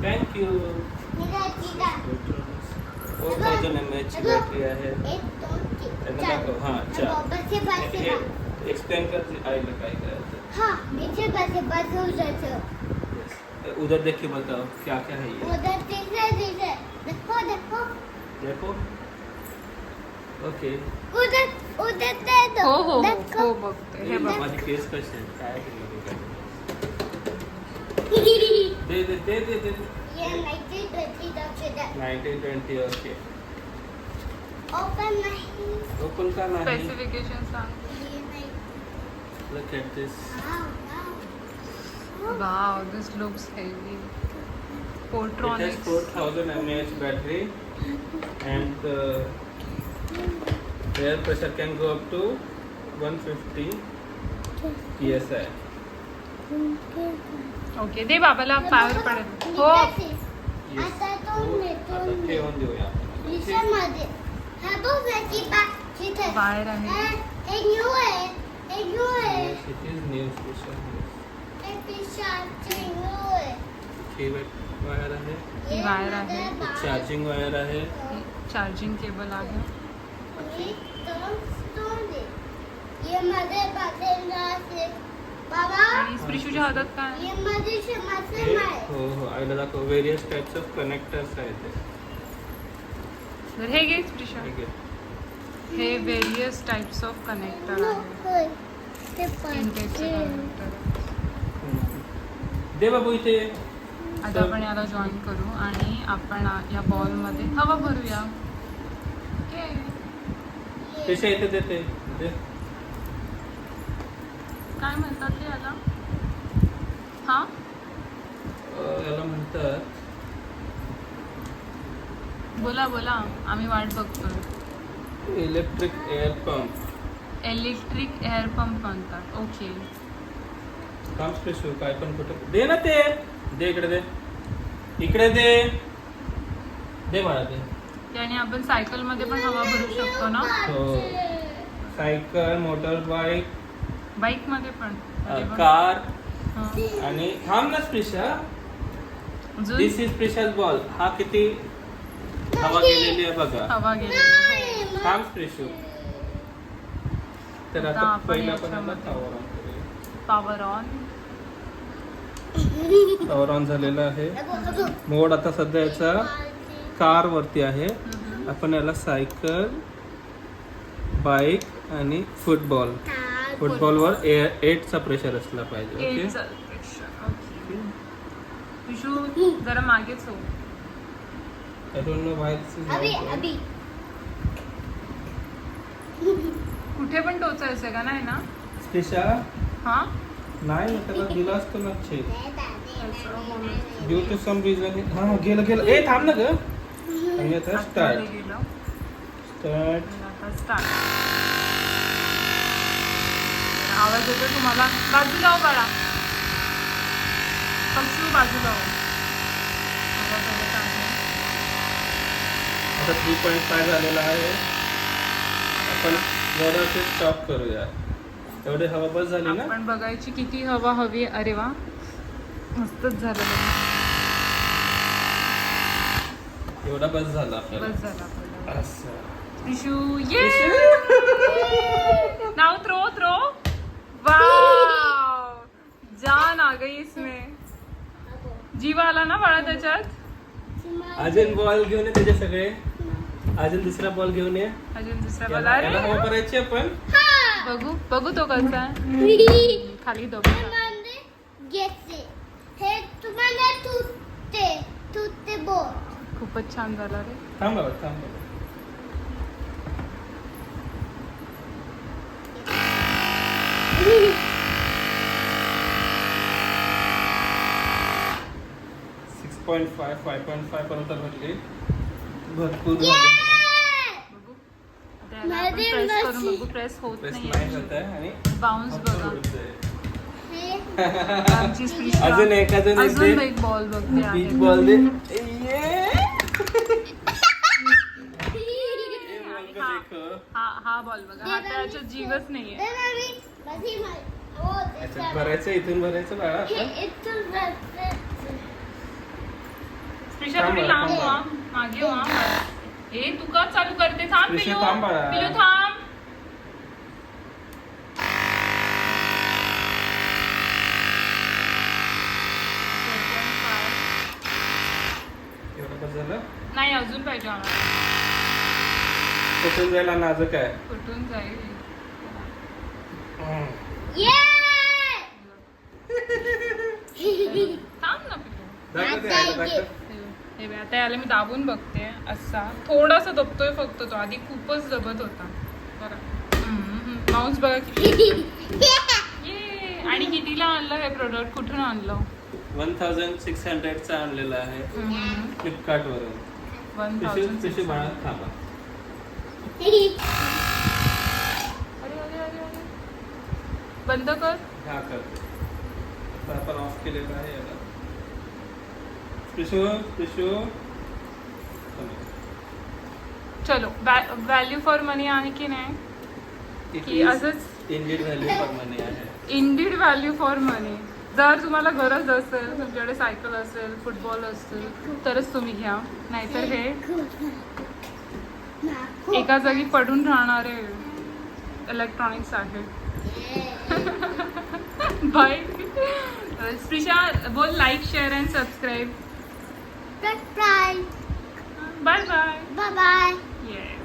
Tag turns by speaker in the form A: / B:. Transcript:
A: Thank you. 4000 mAh battery आहे. त्यांना दाखव. हां चार. एक्सप्लेन कर आईला काय करायचं. Yes. उधर देख के बताओ क्या क्या है ये.
B: उधर
A: देखो. ओके.
B: उधर दे दो.
C: हो
B: देखो.
C: बघते हे बघ.
A: माझी केस कशी आहे काय दे दे दे दे दे.
B: ये 1920
A: 1920 ओके.
B: ओपन नहीं.
A: ओपन का नाही.
C: स्पेसिफिकेशन सांग.
A: Look at this.
C: Wow this looks heavy.
A: It has
C: Portronics
A: 4000 mAh battery and air pressure can go up to 150 psi.
C: Okay दे बाबाला पावर पडेल. हो
A: Yes.
B: आता तो
A: हो,
B: नेतो
A: आता
B: मी.
A: ठेवून देऊया.
B: मध्ये हा बघ त्याची तिथे
C: बाहेर आहे.
B: एक न्यू आहे. एक न्यू आहे.
A: Yes, it is new special.
B: एक पिशाची न्यू आहे.
A: ही वायर आहे.
C: ही वायर आहे.
A: चार्जिंग वायर आहे.
C: चार्जिंग केबल आहे.
B: ये मध्ये बदलला असे बाबा.
C: आणि स्प्रिशूच्या हातात काय
B: ये मध्ये शमासे
A: हे-
B: आहे.
A: हो हो आईला दाखव. व्हेरियस टाइप्स ऑफ कनेक्टर्स आहेत ते.
C: तर हे घे स्प्रिशा.
A: ठीक आहे.
C: हे व्हेरियस टाइप्स ऑफ कनेक्टर आहे.
B: होय. ते
C: इंटेक्सचे
B: पाहिजे.
C: कनेक्टर.
A: दे बाबू इथे.
C: आता आपण याला जॉईन करू आणि आपण या बॉलमध्ये हवा भरूया. ओके
A: कशा इथे देते दे.
C: काय म्हणतात ते याला. हा
A: याला म्हणतात
C: बोला बोला आम्ही वाट बघतोय.
A: Electric air pump.
C: Electric air pump म्हणतात. ओके
A: काम स्पेशल काय पण कुठे दे ना ते. दे इकडे दे. इकडे दे. दे मला ते.
C: त्याने आपण सायकल मध्ये पण हवा भरू शकतो ना.
A: हो. सायकल मोटर बाईक
C: बाईक मध्ये पण मध्ये पण.
A: कार
C: हा.
A: आणि थांब ना स्पेशल.
C: अजून
A: दिस इज स्पेशल बॉल. हा किती हवा गेलेली आहे बघा.
C: हवा गेली.
A: थांब स्पेशल. तर
C: आता
A: आता
C: आपण
A: पहिला पण
C: याच्यामध्ये पॉवर ऑन.
A: पॉवर ऑन झालेला आहे. मोड आता सध्या याचा कार वरती आहे. आपण याला सायकल बाईक आणि फुटबॉल. फुटबॉलवर 8चा प्रेशर असला पाहिजे. ओके.
C: ओके विशू जरा मागेच हो.
A: आय डोंट नो व्हाय
B: अभी
C: कुठे पण टोचायचं का नाही ना.
A: स्पेशा
C: हा
A: नाही त्याला दिला असतो ना छेद. ड्यू टू सम रिझन हा गेलं गेलं. ए थांब ना ग. आणि आता स्टार्ट.
C: गेलं.
A: स्टार्ट.
C: आता स्टार्ट. आवाज येतो तुम्हाला. बाजूला हो बाळा. पक्षी बाजूला हो. आवाज येत आहे.
A: आता 3.5 झालेला आहे. आपण जरासे स्टॉप करूया. एवढे हवा बस झाली ना.
C: आपण बघायची किती हवा हवी. अरे वा मस्तच झालं बघ.
A: एवढा बस झाला आपल्याला.
C: बस झालं आपल्याला.
A: असं.
C: विशू ये नाउ थ्रो थ्रो. वाव जान आ गई इसमें. जीव आला ना बाळा त्याच्यात.
A: अजून बॉल घेऊन ये त्याचे सगळे. अजून दुसरा बॉल घेऊन ये.
C: अजून दुसरा
A: याला
C: बॉल.
A: याला हवा करायची आपण.
C: बघू बघू तो कसा आहे. खाली दबा.
B: घेतले. हे तुम्हाला तुटते बोट.
C: खूपच छान झाला रे.
A: थांब बाबा थांब बाबा. .5 5.5 पर्यंत भेटली. भरपूर झाली.
C: बघू आता याला आपण प्रेस करून बघू. प्रेस होत
A: प्रेस नाही
C: नाही.
A: होत आहे आणि
C: बाउन्स बघा. आमची स्प्रिश
A: अजून एक
C: अजून एक बॉल बघते आहे.
A: बीच बॉल दे. ये. देखो.
C: हा बॉल बघा. हा त्याच्यात जीवच नाहीये.
A: याच्यात भरायचं. इथून भरायचं बाळा आपण.
C: स्प्रिशा
A: थांब
C: थोडी
A: बाळा,
C: लांब
A: थांब
C: व्हा मागे व्हा ए तू का चालू करते थांब
A: स्प्रिशा,
C: पिलू
A: थांब बाळा.
C: पिलू थांब
A: एवढं बस झालं
C: नाही अजून पाहिजे आम्हाला
A: कुठून जायला नाजूक आहे
C: कुठून जाईल
B: ये
C: थांब ना पिलू
A: दाखव ते आईला, दाखव.
C: हे बघ, आता याला मी दाबून बघते असा थोडासा दबतोय फक्त तो आधी खूपच दबत होता बरं माऊस बघा किती ये आणि कितीला आणलं हे प्रोडक्ट कुठून आणलं
A: 1600 चा आणलेला आहे फ्लिपकार्ट वरून पिशू बाळा थांबा
C: अरे अरे अरे अरे बंद कर
A: हा कर आता आपण ऑफ केलेलं आहे याला पिशू पिशू
C: चलो व्हॅल्यू फॉर मनी आहे की नाही की असंच
A: इंडियन व्हॅल्यू फॉर मनी आहे
C: इंडिड व्हॅल्यू फॉर मनी जर तुम्हाला गरज असेल तुमच्याकडे सायकल असेल फुटबॉल असेल तरच तुम्ही घ्या नाहीतर हे एका जागी पडून राहणारे इलेक्ट्रॉनिक्स आहे बाय स्प्रिशा बोल like share and subscribe
B: Subscribe.
C: Bye bye
B: Bye bye.
C: Yes